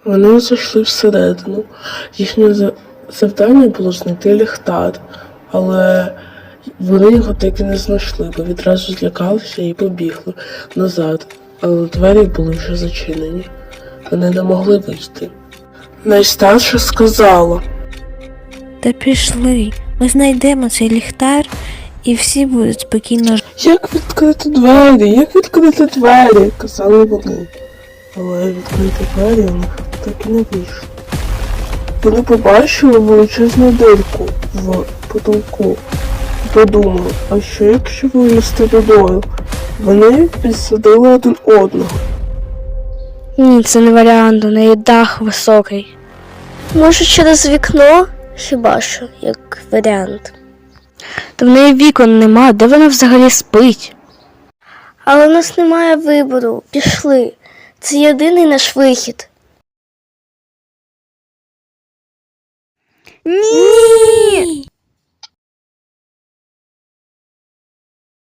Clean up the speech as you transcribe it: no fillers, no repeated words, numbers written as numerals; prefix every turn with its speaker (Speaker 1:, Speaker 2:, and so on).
Speaker 1: Вони зайшли всередину. Їхнє завдання було знайти ліхтар, але вони його так і не знайшли, бо відразу злякалися і побігли назад. Але двері були вже зачинені. Вони не могли вийти. Найстарша сказала:
Speaker 2: Та пішли, ми знайдемо цей ліхтар і всі будуть спокійно жити.
Speaker 1: Як відкрити двері? Як відкрити двері? Казали вони. Але відкрити двері у них так і не вийшло. Вони побачили величезну дирку в потолку і подумали, а що якщо вилізти водою? Вони підсадили один одного.
Speaker 3: Ні, це не варіант, у неї дах високий. Може, через вікно? Хіба що, як варіант. Та в неї вікон нема, де вона взагалі спить? Але в нас немає вибору, пішли. Це єдиний наш вихід.
Speaker 2: Ні!